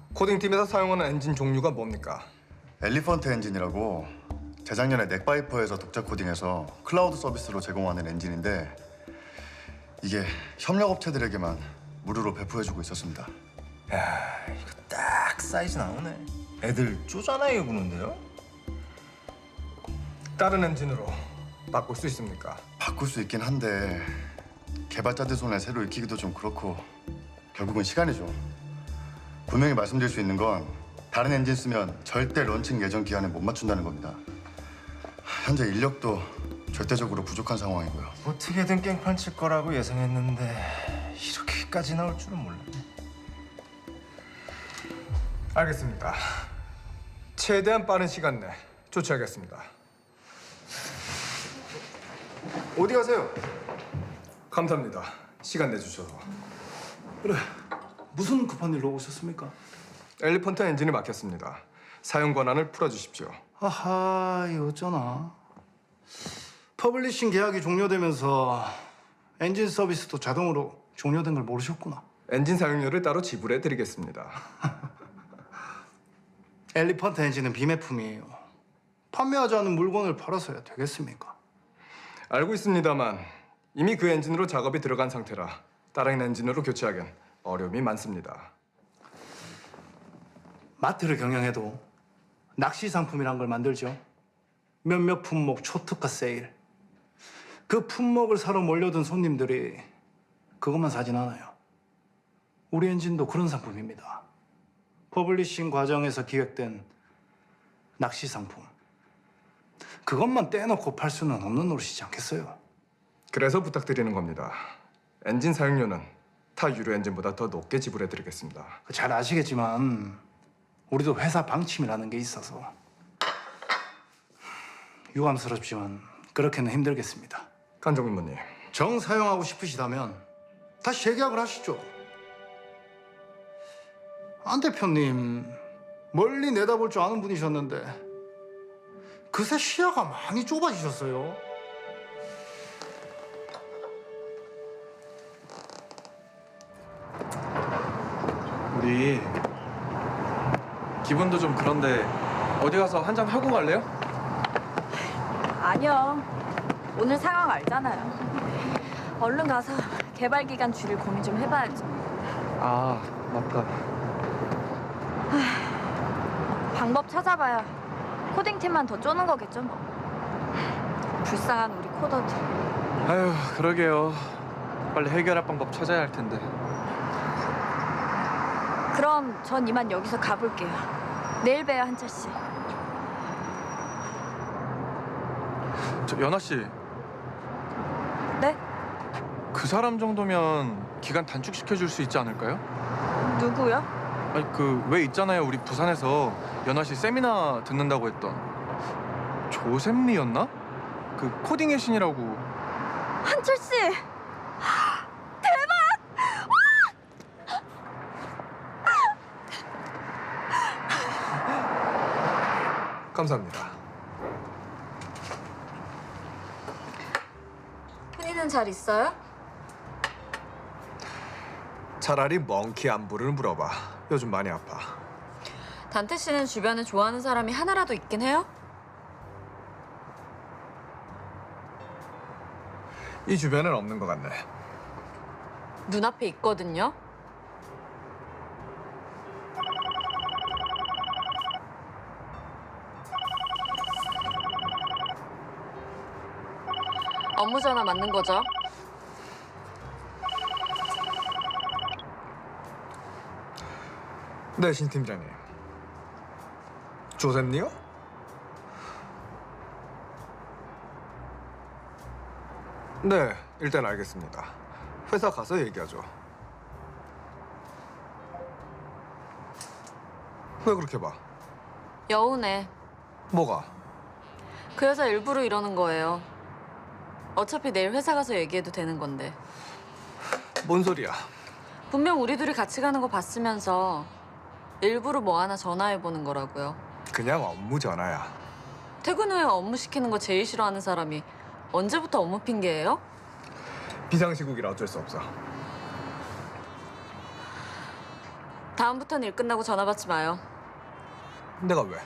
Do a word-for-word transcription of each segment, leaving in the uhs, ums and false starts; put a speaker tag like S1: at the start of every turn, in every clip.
S1: 코딩팀에서 사용하는 엔진 종류가 뭡니까?
S2: 엘리펀트 엔진이라고 재작년에 넥바이퍼에서 독자 코딩해서 클라우드 서비스로 제공하는 엔진인데 이게 협력업체들에게만 무료로 배포해주고 있었습니다.
S3: 야, 이거 딱 사이즈 나오네. 애들 쪼잔하게 구는데요?
S1: 다른 엔진으로 바꿀 수 있습니까?
S2: 바꿀 수 있긴 한데 개발자들 손에 새로 익히기도 좀 그렇고 결국은 시간이죠. 분명히 말씀드릴 수 있는 건 다른 엔진 쓰면 절대 런칭 예정 기한에 못 맞춘다는 겁니다. 현재 인력도 절대적으로 부족한 상황이고요.
S3: 어떻게든 깽판 칠 거라고 예상했는데 이렇게까지 나올 줄은 몰랐네.
S1: 알겠습니다. 최대한 빠른 시간 내 조치하겠습니다.
S4: 어디 가세요?
S1: 감사합니다. 시간 내주셔서.
S4: 그래, 무슨 급한 일로 오셨습니까?
S1: 엘리펀트 엔진이 막혔습니다. 사용 권한을 풀어주십시오.
S4: 아하, 이 어쩌나. 퍼블리싱 계약이 종료되면서 엔진 서비스도 자동으로 종료된 걸 모르셨구나.
S1: 엔진 사용료를 따로 지불해드리겠습니다.
S4: 엘리펀트 엔진은 비매품이에요. 판매하지 않은 물건을 팔아서야 되겠습니까?
S1: 알고 있습니다만 이미 그 엔진으로 작업이 들어간 상태라 다른 엔진으로 교체하기엔 어려움이 많습니다.
S4: 마트를 경영해도 낚시 상품이란 걸 만들죠. 몇몇 품목 초특가 세일. 그 품목을 사러 몰려든 손님들이 그것만 사진 않아요. 우리 엔진도 그런 상품입니다. 퍼블리싱 과정에서 기획된 낚시 상품. 그것만 떼놓고 팔 수는 없는 노릇이지 않겠어요?
S1: 그래서 부탁드리는 겁니다. 엔진 사용료는 타 유료 엔진보다 더 높게 지불해드리겠습니다.
S4: 잘 아시겠지만 우리도 회사 방침이라는 게 있어서 유감스럽지만 그렇게는 힘들겠습니다.
S1: 간종인무님,
S4: 정 사용하고 싶으시다면 다시 재계약을 하시죠. 안 대표님 멀리 내다볼 줄 아는 분이셨는데 그새 시야가 많이 좁아지셨어요.
S5: 우리 기분도 좀 그런데 어디 가서 한잔 하고 갈래요?
S6: 아니요. 오늘 상황 알잖아요. 얼른 가서 개발 기간 줄일 고민 좀 해봐야죠.
S5: 아, 맞다.
S6: 방법 찾아봐야 코딩팀만 더 쪼는 거겠죠 뭐. 불쌍한 우리 코더들.
S5: 아휴, 그러게요. 빨리 해결할 방법 찾아야 할 텐데.
S6: 그럼 전 이만 여기서 가볼게요. 내일 봬요, 한철 씨.
S5: 저 연아 씨,
S6: 네?
S5: 그 사람 정도면 기간 단축시켜 줄 수 있지 않을까요?
S6: 누구요?
S5: 아니 그 왜 있잖아요. 우리 부산에서 연아 씨 세미나 듣는다고 했던 조셉리였나? 그 코딩의 신이라고.
S6: 한철 씨!
S1: 감사합니다.
S6: 흔히는 잘 있어요?
S1: 차라리 멍키 안부를 물어봐. 요즘 많이 아파.
S6: 단태 씨는 주변에 좋아하는 사람이 하나라도 있긴 해요?
S1: 이 주변엔 없는 것 같네.
S6: 눈앞에 있거든요. 업무 전화 맞는 거죠?
S1: 네, 신 팀장님. 조셉니요? 네, 일단 알겠습니다. 회사 가서 얘기하죠. 왜 그렇게 봐?
S6: 여운해.
S1: 뭐가?
S6: 그 여자 일부러 이러는 거예요. 어차피 내일 회사 가서 얘기해도 되는 건데.
S1: 뭔 소리야?
S6: 분명 우리 둘이 같이 가는 거 봤으면서 일부러 뭐 하나 전화해보는 거라고요.
S1: 그냥 업무 전화야.
S6: 퇴근 후에 업무 시키는 거 제일 싫어하는 사람이 언제부터 업무 핑계예요?
S1: 비상시국이라 어쩔 수 없어.
S7: 다음부터는 일 끝나고 전화 받지 마요.
S1: 내가 왜?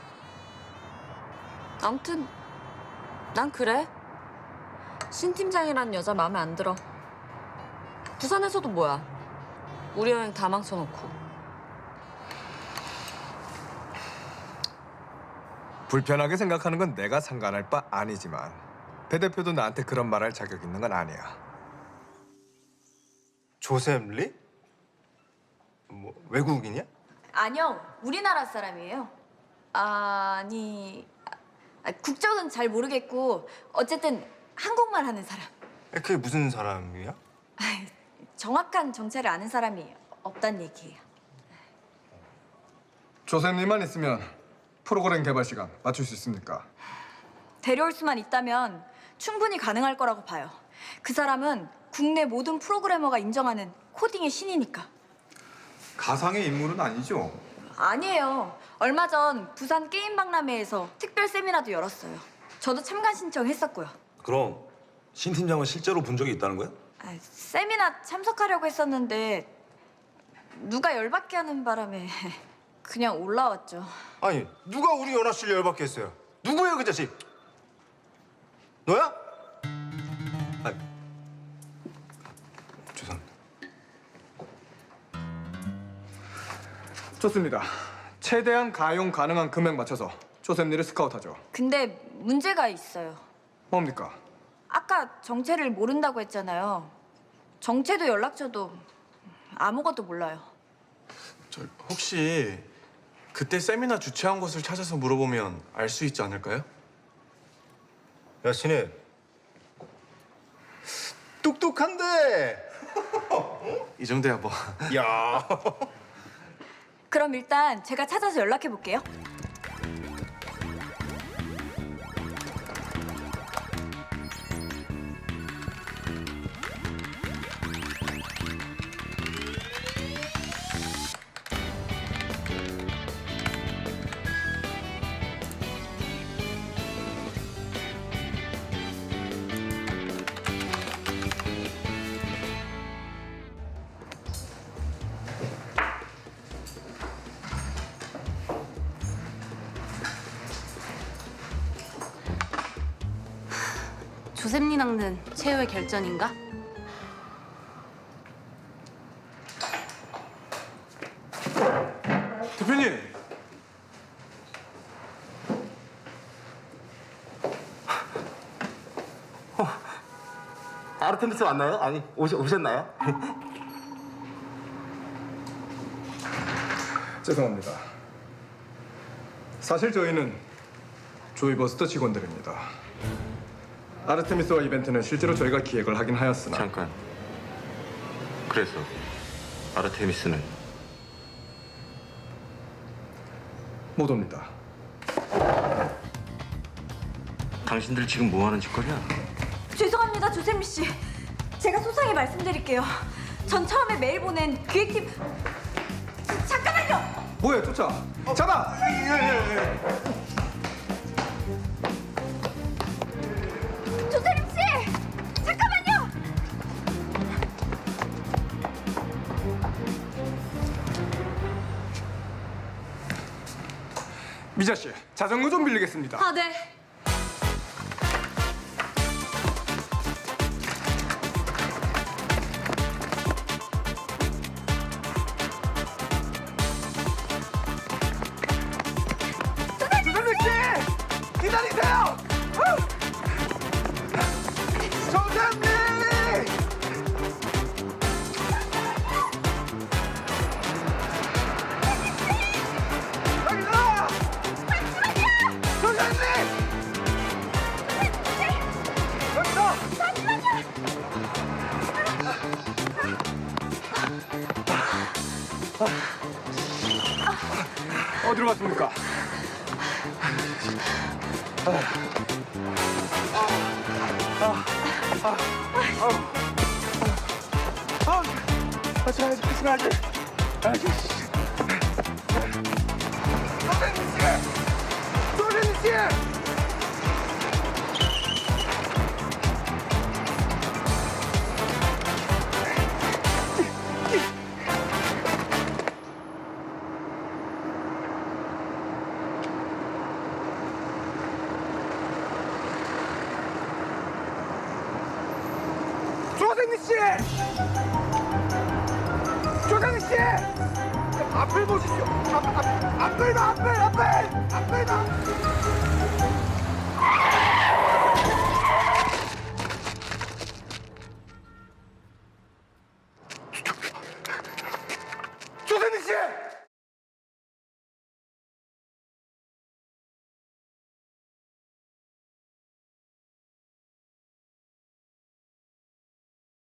S7: 아무튼 난 그래. 신 팀장이라는 여자 마음에 안 들어. 부산에서도 뭐야. 우리 여행 다 망쳐놓고.
S1: 불편하게 생각하는 건 내가 상관할 바 아니지만 배 대표도 나한테 그런 말할 자격 있는 건 아니야.
S3: 조셉 리? 뭐 외국인이야?
S6: 아니요, 우리나라 사람이에요. 아니, 아, 국적은 잘 모르겠고 어쨌든 한국말 하는 사람.
S3: 그게 무슨 사람이야?
S6: 아이, 정확한 정체를 아는 사람이 없단 얘기예요.
S1: 조셉님만 있으면 프로그램 개발 시간 맞출 수 있습니까?
S6: 데려올 수만 있다면 충분히 가능할 거라고 봐요. 그 사람은 국내 모든 프로그래머가 인정하는 코딩의 신이니까.
S1: 가상의 인물은 아니죠?
S6: 아니에요. 얼마 전 부산 게임 박람회에서 특별 세미나도 열었어요. 저도 참가 신청했었고요.
S8: 그럼 신 팀장은 실제로 본 적이 있다는 거야?
S6: 아, 세미나 참석하려고 했었는데 누가 열받게 하는 바람에 그냥 올라왔죠.
S3: 아니 누가 우리 연하 씨를 열받게 했어요? 누구예요 그 자식? 너야? 아, 죄송합니다.
S1: 좋습니다. 최대한 가용 가능한 금액 맞춰서 조셉님을 스카우트하죠.
S6: 근데 문제가 있어요.
S1: 뭡니까?
S6: 아까 정체를 모른다고 했잖아요. 정체도 연락처도 아무것도 몰라요.
S5: 저 혹시 그때 세미나 주최한 곳을 찾아서 물어보면 알 수 있지 않을까요?
S3: 야 신혜 똑똑한데.
S5: 이 정도야 뭐.
S3: 야.
S6: 그럼 일단 제가 찾아서 연락해 볼게요.
S9: 조셉니 낚는 최후의 결전인가?
S5: 대표님.
S8: 아르테미스 왔나요? 아니 오시, 오셨나요?
S1: 죄송합니다. 사실 저희는 조이버스터 직원들입니다. 아르테미스와 이벤트는 실제로 저희가 기획을 하긴 하였으나
S10: 잠깐. 그래서 아르테미스는
S1: 못 옵니다.
S10: 당신들 지금 뭐 하는 짓거리야?
S6: 죄송합니다, 조세미 씨. 제가 소상히 말씀드릴게요. 전 처음에 메일 보낸 기획팀... 잠깐만요!
S1: 뭐야, 쫓아! 잡아!
S6: 조세미 씨! 잠깐만요!
S1: 미자 씨, 자전거 좀 빌리겠습니다.
S6: 아, 네.
S1: 기다리세요! 조셉님! 여기다! 조셉님! 여기다! 어디로 갔습니까? 같이 가야지, 같이 가야지. 아이씨. 선생님 씨! 선생님 씨!
S3: 조상희 씨! 조상희 씨! 앞을 보십시오. 앞, 앞, 앞을 봐, 앞을, 앞을, 앞을 봐.